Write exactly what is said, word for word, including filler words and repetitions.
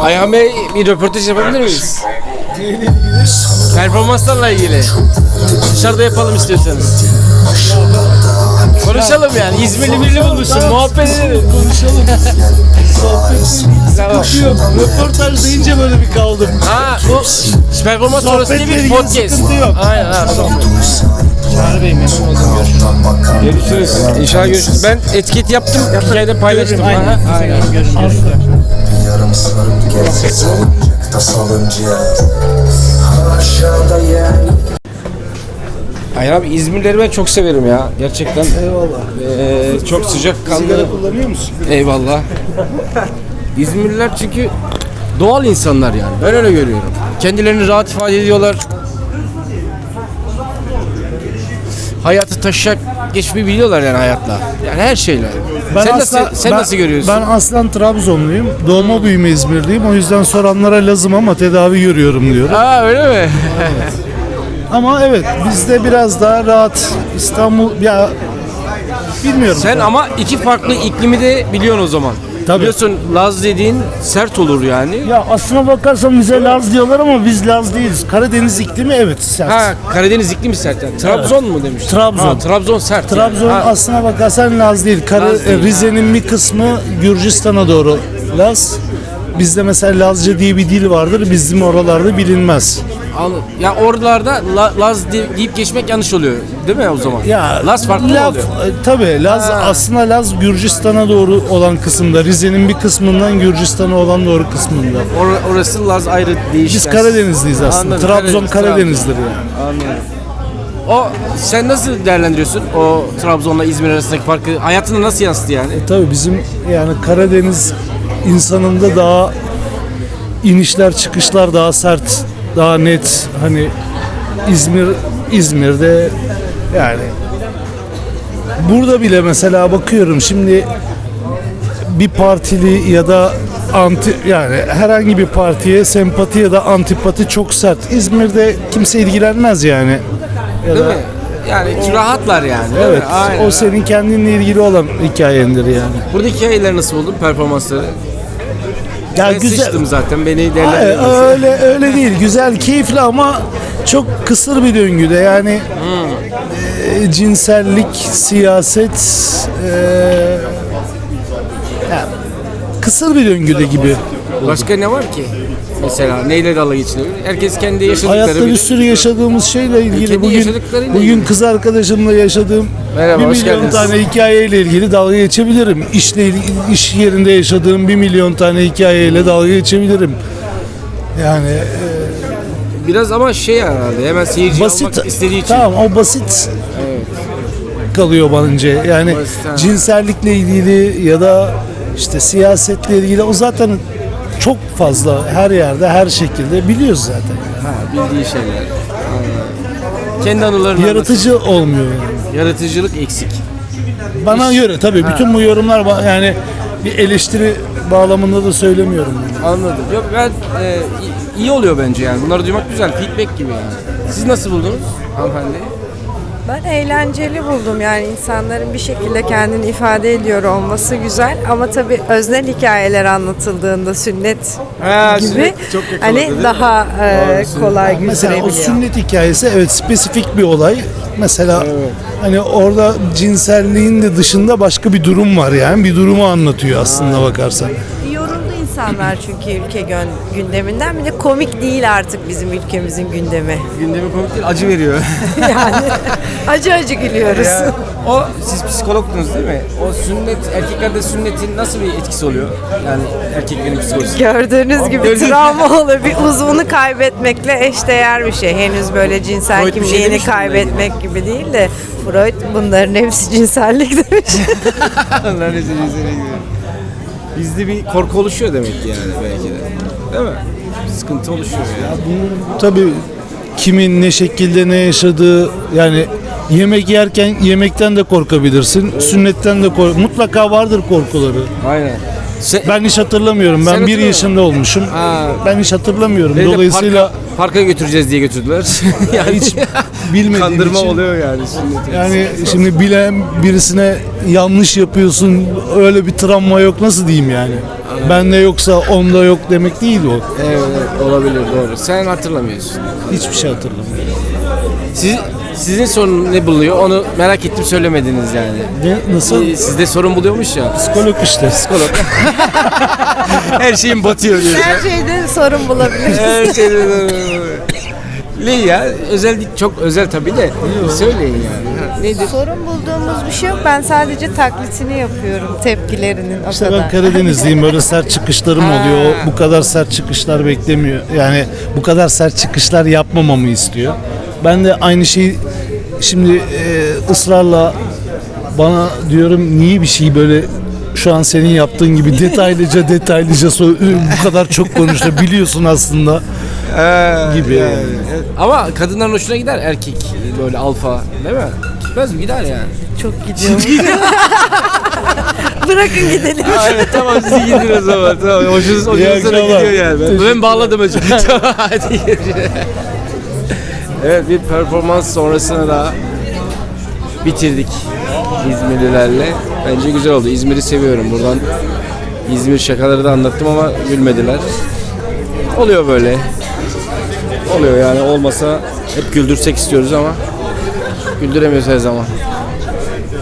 Ayhan Bey, bir röportaj yapabilir miyiz? Performanslarla ilgili. Dışarıda yapalım istiyorsanız. Konuşalım yani. İzmirli birini bulmuşsun. Muhabbet edelim. Konuşalım. Tamam. Yok. Röportaj deyince böyle bir kaldım. Ha, bu performans sonrası diye Sohbetle bir ilgili podcast. sıkıntı yok. Aynen ha, sohbet. Çağrı Bey, memnun oldum. Görüşürüz. İnşallah görüşürüz. Ben etiket yaptım. Hikayede paylaştım. Aynen. Aha. Aynen. Görüşürüz. Yarım sarıp gelse salıncakta salınca aşağıda yer. Ayhan abi, İzmirleri ben çok severim ya. Gerçekten. Eyvallah. Ee, çok sıcak kanlı. Sigara kullanıyor musun? Eyvallah. İzmirliler çünkü doğal insanlar yani. Ben öyle görüyorum. Kendilerini rahat ifade ediyorlar. Hayatı taşak geçmeyi biliyorlar yani hayatla. Yani her şeyle. sen aslen- nasıl sen ben- nasıl görüyorsun? Ben aslen Trabzonluyum. Doğma büyüme İzmirliyim. O yüzden soranlara Lazım ama tedavi görüyorum diyorum. Aa, öyle mi? Ama evet bizde biraz daha rahat. İstanbul ya bilmiyorum. Sen ama iki farklı iklimi de biliyorsun o zaman. Tabii. Biliyorsun, Laz dediğin sert olur yani. Ya aslına bakarsan bize Laz diyorlar ama biz Laz değiliz. Karadeniz iklimi evet sert. Ha, Karadeniz iklimi sert yani. Trabzon mu demiş? Trabzon. Ha, Trabzon sert. Trabzon yani. Ha, aslına bakarsan Laz değil. Kara- Laz değil, Rize'nin bir kısmı Gürcistan'a doğru Laz. Bizde mesela Lazca diye bir dil vardır. Bizim oralarda bilinmez. anladım. Ya oralarda La- Laz de- deyip geçmek yanlış oluyor. Değil mi o zaman? Ya Laz farklı mı Laf- oluyor? e, Tabii Laz Ha. aslında Laz Gürcistan'a doğru olan kısımda. Rize'nin bir kısmından Gürcistan'a olan doğru kısmında. Or- orası Laz ayrı değişik. Biz Karadenizliyiz aslında. Anladım, Trabzon Karadeniz, Karadeniz'dir yani. Anladım. O, sen nasıl değerlendiriyorsun o Trabzon'la İzmir arasındaki farkı? Hayatına nasıl yansıdı yani? Tabii bizim yani Karadeniz insanında daha inişler çıkışlar daha sert, daha net. Hani İzmir İzmir'de yani burada bile mesela bakıyorum şimdi bir partili ya da anti yani herhangi bir partiye sempati ya da antipati çok sert. İzmir'de kimse ilgilenmez yani. Ya Değil da, mi? Yani rahatlar yani. değil mi? evet, Aynen. o senin kendinle ilgili olan hikayendir yani. Buradaki hikayeleri nasıl buldun, performansları? Ya Ben sıçtım zaten, beni Hayır, değerlendiremezsin. öyle öyle değil. Güzel, keyifli ama çok kısır bir döngüde. Yani e, cinsellik, siyaset e, ya, kısır bir döngüde gibi. Başka ne var ki? Mesela neyle dalga geçiliyor? Herkes kendi yaşadıkları Hayatta bir bilir. sürü yaşadığımız şeyle ilgili Kendi bugün yaşadıklarıyla bugün ilgili. kız arkadaşımla yaşadığım Merhaba, bir hoş milyon geldiniz. tane hikayeyle ilgili dalga geçebilirim. İşle ilgili- iş yerinde yaşadığım bir milyon tane hikayeyle dalga geçebilirim. Yani e, Biraz ama şey herhalde, hemen seyirci basit almak istediği için. tamam o basit kalıyor bence yani Basit, ha. cinsellikle ilgili ya da işte siyasetle ilgili o zaten çok fazla her yerde her şekilde biliyoruz zaten Ha, bildiği şeyler. Anladım. Kendi anılarını yaratıcı olmuyor yani. anlatıyor. Yaratıcılık eksik. Bana göre tabii bütün bu yorumlar ba- yani bir eleştiri bağlamında da söylemiyorum yani. Anladım. Yok, ben e, i- iyi oluyor bence yani. Bunları duymak güzel. Feedback gibi yani. Siz nasıl buldunuz hanımefendi? Ben eğlenceli buldum yani insanların bir şekilde kendini ifade ediyor olması güzel ama tabii öznel hikayeler anlatıldığında sünnet Ha, gibi sünnet çok yakaladı, hani değil mi? daha e, kolay Mesela o götürebiliyor. sünnet hikayesi evet spesifik bir olay. Mesela hani orada cinselliğin de dışında başka bir durum var yani. Bir durumu anlatıyor aslında bakarsan. Yoruldu insanlar çünkü ülke gön- gündeminden bir de komik değil artık bizim ülkemizin gündemi. Gündemi komik değil, acı veriyor. Yani acı acı gülüyoruz. Ya, o, siz psikologdunuz değil mi? O sünnet, erkeklerde sünnetin nasıl bir etkisi oluyor? Yani erkeklerin psikolojisi. Gördüğünüz gibi Gördüğünüz- travma olur. Bir uzvunu kaybetmekle eşdeğer bir şey. Henüz böyle cinsel Freud bir şey kimliğini demiş mi bununla kaybetmek gibi değil de Freud bunların hepsi cinsellik demiş. Onlar ne cinsine giriyor. Bizde bir korku oluşuyor demek ki yani belki de. Değil mi? Sıkıntı oluşuyor ya. Tabii kimin ne şekilde ne yaşadığı yani yemek yerken yemekten de korkabilirsin. Sünnetten de kork mutlaka vardır korkuları. Aynen. Sen- Ben hiç hatırlamıyorum. Sen Ben bir hatırlamıyor yaşında olmuşum. Ha. Ben hiç hatırlamıyorum. Beni de Dolayısıyla parka, parka götüreceğiz diye götürdüler. yani hiç bilmediğim kandırma için. oluyor yani. Sünnet. Yani şimdi bilen birisine yanlış yapıyorsun, öyle bir travma yok, nasıl diyeyim yani. Bende yoksa onda yok demek değil o. Evet, evet, olabilir, doğru. Sen hatırlamıyorsun. Hiçbir şey hatırlamıyorum. Siz, sizin sorun ne buluyor? Onu merak ettim, söylemediniz yani. Ne, nasıl? Ee, Sizde sorun buluyormuş ya. Psikolog işte. Psikolog. Her şeyin batıyor diyorsun. Her şeyde sorun bulabiliriz. Her şeyden. Ne ya? Özel değil, çok özel tabii de. Söyleyin yani. Ha, nedir? Sorun bulduğumuz bir şey yok. Ben sadece taklitini yapıyorum tepkilerinin o İşte kadar. ben Karadenizliyim, böyle sert çıkışlarım oluyor. O bu kadar sert çıkışlar beklemiyor. Yani bu kadar sert çıkışlar yapmamamı istiyor. Ben de aynı şeyi şimdi e, ısrarla bana diyorum, niye bir şeyi böyle şu an senin yaptığın gibi detaylıca detaylıca so- bu kadar çok konuştu, biliyorsun aslında gibi. Yani. Evet. Ama kadınların hoşuna gider erkek böyle alfa, değil mi? Gitmez mi? Gider yani. Çok gidiyor. Bırakın gidelim. Evet, tamam, siz gidin o zaman. Tamam. Hoşunuz, hoşunuza da akşamlar. gidiyor yani. Ben, ben bağladım hocam. Hadi görüşürüz. Evet, bir performans sonrasına da bitirdik İzmirlilerle. Bence güzel oldu. İzmir'i seviyorum. Buradan İzmir şakaları da anlattım ama gülmediler. Oluyor böyle. Oluyor yani, olmasa hep güldürsek istiyoruz ama güldüremiyoruz her zaman.